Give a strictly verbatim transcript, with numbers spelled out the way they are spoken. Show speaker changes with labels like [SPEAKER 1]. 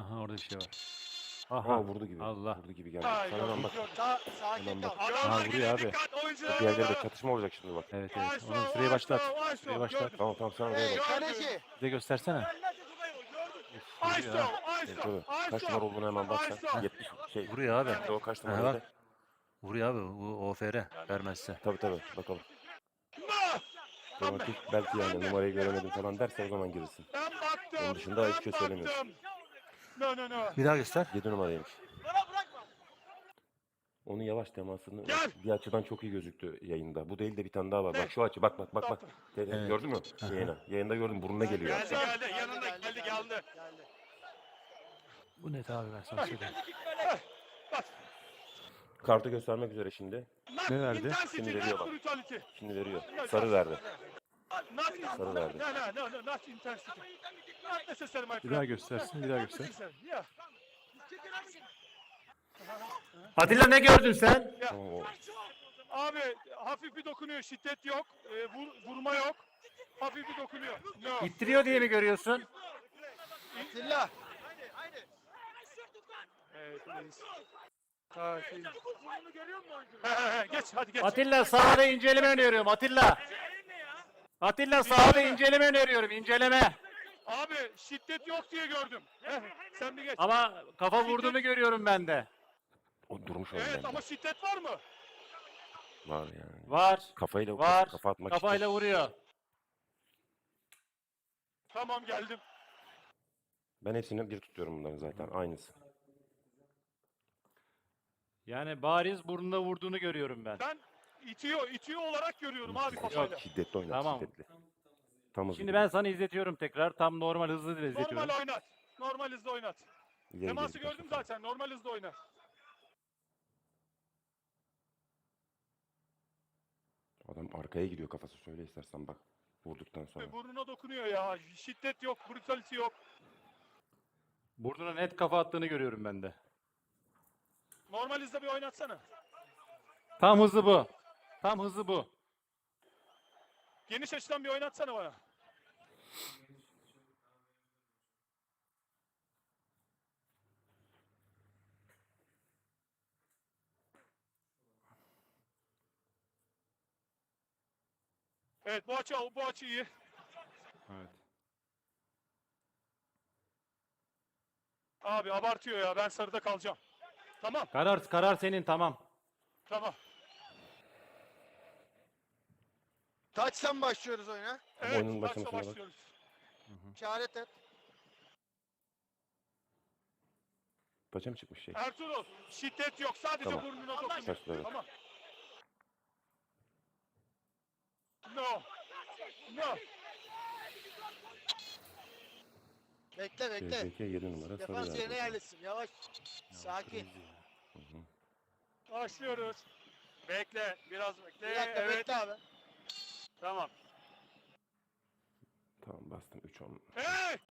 [SPEAKER 1] Aha orada bir şey var.
[SPEAKER 2] Aha
[SPEAKER 1] Aha.
[SPEAKER 2] vurdu gibi.
[SPEAKER 1] Allah.
[SPEAKER 2] Vurdu gibi geldi.
[SPEAKER 3] Ay,
[SPEAKER 2] Sana hemen
[SPEAKER 3] yok,
[SPEAKER 2] bak.
[SPEAKER 3] yok.
[SPEAKER 4] Sa sakin
[SPEAKER 2] Hemen
[SPEAKER 4] kal.
[SPEAKER 2] bak.
[SPEAKER 1] Ha,
[SPEAKER 3] Adamlar
[SPEAKER 1] vuruyor
[SPEAKER 3] geliyor,
[SPEAKER 1] abi.
[SPEAKER 3] dikkat oyuncular.
[SPEAKER 2] Diğerleriyle çatışma olacak şimdi bak.
[SPEAKER 1] Evet evet.
[SPEAKER 3] Ayşo,
[SPEAKER 1] Onun süreyi
[SPEAKER 3] Ayşo,
[SPEAKER 1] başlat.
[SPEAKER 3] Ayşo.
[SPEAKER 1] Süreyi başlat.
[SPEAKER 3] Gördüm.
[SPEAKER 2] Tamam tamam sen oraya
[SPEAKER 4] Hey
[SPEAKER 2] bak.
[SPEAKER 4] kaleci.
[SPEAKER 1] Bize göstersene.
[SPEAKER 3] Ayşo,
[SPEAKER 1] Vuruyor ha.
[SPEAKER 3] Ayşo,
[SPEAKER 2] Tabii.
[SPEAKER 3] Ayşo.
[SPEAKER 2] Kaç numara olduğunu hemen bak sen.
[SPEAKER 3] Ayşo.
[SPEAKER 2] yetmiş şey.
[SPEAKER 1] Vuruyor abi.
[SPEAKER 2] O kaç
[SPEAKER 1] Ha,
[SPEAKER 2] numaraydı?
[SPEAKER 1] bak. Vuruyor abi. Bu O F R vermezse.
[SPEAKER 2] Tabii tabii bakalım.
[SPEAKER 3] No!
[SPEAKER 2] Romantik belki yani numarayı göremedim falan derse o zaman girirsin.
[SPEAKER 3] Ben baktım.
[SPEAKER 2] Onun dışında hiçbir şey
[SPEAKER 3] ben
[SPEAKER 2] söylemiyorsun.
[SPEAKER 3] baktım. No no no.
[SPEAKER 1] Bir daha göster.
[SPEAKER 2] yedi numaraymış.
[SPEAKER 4] Bana bırakma.
[SPEAKER 2] Onun yavaş temasını
[SPEAKER 3] Gel.
[SPEAKER 2] bir açıdan çok iyi gözüktü yayında. Bu değil de bir tane daha var.
[SPEAKER 3] Ne?
[SPEAKER 2] Bak şu açı bak bak bak bak.
[SPEAKER 1] Evet.
[SPEAKER 2] Gördün mü? Yayına. Yayında gördüm burnuna geliyor.
[SPEAKER 3] Geldi geldi yanında geldi geldi.
[SPEAKER 4] Geldi.
[SPEAKER 1] Bu net abi ben sana söyleyeyim.
[SPEAKER 2] Kartı göstermek üzere şimdi.
[SPEAKER 3] Not
[SPEAKER 1] Ne verdi?
[SPEAKER 3] intensity,
[SPEAKER 2] Şimdi veriyor
[SPEAKER 3] not
[SPEAKER 2] bak.
[SPEAKER 3] brutality.
[SPEAKER 2] Şimdi veriyor. Sarı verdi.
[SPEAKER 3] Not
[SPEAKER 2] Sarı verdi.
[SPEAKER 3] No no no no not intensity. Not necessary my
[SPEAKER 1] Bir
[SPEAKER 3] friend.
[SPEAKER 1] daha göstersin. Bir daha
[SPEAKER 3] Not
[SPEAKER 1] göster.
[SPEAKER 3] necessary. Yeah.
[SPEAKER 1] Atilla ne gördün sen?
[SPEAKER 2] Tamam o.
[SPEAKER 3] Abi hafif bir dokunuyor, şiddet yok, e, vur, vurma yok. Hafif bir dokunuyor. No.
[SPEAKER 1] İttiriyor diye mi görüyorsun?
[SPEAKER 4] Atilla.
[SPEAKER 3] Evet, reis. Sakin. He, he, he, geç hadi geç.
[SPEAKER 1] Atilla sahada inceleme öneriyorum. Atilla. Atilla sahada inceleme öneriyorum. İnceleme.
[SPEAKER 3] Abi şiddet yok diye gördüm. He, sen bir geç.
[SPEAKER 1] Ama kafa vurduğunu görüyorum ben de.
[SPEAKER 2] O durmuş onun
[SPEAKER 3] Evet
[SPEAKER 2] bende.
[SPEAKER 3] ama şiddet var mı?
[SPEAKER 2] Var yani.
[SPEAKER 1] Var.
[SPEAKER 2] Kafayla
[SPEAKER 1] Var.
[SPEAKER 2] kafa atmak
[SPEAKER 1] Kafayla
[SPEAKER 2] için.
[SPEAKER 1] vuruyor.
[SPEAKER 3] Tamam geldim.
[SPEAKER 2] Ben hepsini bir tutuyorum bunların zaten. Aynısı.
[SPEAKER 1] Yani bariz burnuna vurduğunu görüyorum ben.
[SPEAKER 3] Ben itiyor, itiyor olarak görüyorum abi kafayla.
[SPEAKER 2] Şiddetli oynat.
[SPEAKER 1] Tamam.
[SPEAKER 2] Şiddetli. Tam hızlı
[SPEAKER 1] Şimdi
[SPEAKER 2] gibi.
[SPEAKER 1] ben sana izletiyorum tekrar. Tam normal hızlı dile izletiyorum.
[SPEAKER 3] Normal oynat. Normal hızda oynat.
[SPEAKER 2] İleri
[SPEAKER 3] Teması
[SPEAKER 2] geri
[SPEAKER 3] gördüm
[SPEAKER 2] kaçma.
[SPEAKER 3] zaten. Normal hızda oynat.
[SPEAKER 2] Adam arkaya gidiyor kafası. Söyle istersen bak. Vurduktan sonra.
[SPEAKER 3] Burnuna dokunuyor ya. Şiddet yok, brutality yok.
[SPEAKER 1] Burnuna net kafa attığını görüyorum ben de.
[SPEAKER 3] Normal hızda bir oynatsana.
[SPEAKER 1] Tam hızı bu. Tam hızı bu.
[SPEAKER 3] Geniş açıdan bir oynatsana bana. Evet bu açı bu açı iyi.
[SPEAKER 1] Evet.
[SPEAKER 3] Abi abartıyor ya. Ben sarıda kalacağım. Tamam.
[SPEAKER 1] Karar karar senin tamam.
[SPEAKER 3] Tamam.
[SPEAKER 4] Taçtan başlıyoruz oyuna.
[SPEAKER 3] Evet.
[SPEAKER 2] oyunun
[SPEAKER 3] maçla
[SPEAKER 2] başlamasına bak.
[SPEAKER 3] başlıyoruz.
[SPEAKER 4] İşaret et.
[SPEAKER 2] Paça mı çıkmış şey?
[SPEAKER 3] Ertuğrul şiddet yok. Sadece
[SPEAKER 2] Tamam.
[SPEAKER 3] burnuna dokunuyor.
[SPEAKER 2] Başla, evet.
[SPEAKER 3] Tamam. No. No.
[SPEAKER 4] Bekle bekle.
[SPEAKER 2] C Z K yedi numara sarı
[SPEAKER 4] Defans yerine
[SPEAKER 2] verdi.
[SPEAKER 4] yerleşsin. Yavaş. Sakin.
[SPEAKER 2] Hı hı.
[SPEAKER 3] Başlıyoruz. Bekle. Biraz bekle.
[SPEAKER 4] Bir dakika
[SPEAKER 3] Evet.
[SPEAKER 4] bekle abi.
[SPEAKER 3] Tamam.
[SPEAKER 2] Tamam bastım üç on.
[SPEAKER 3] Hey!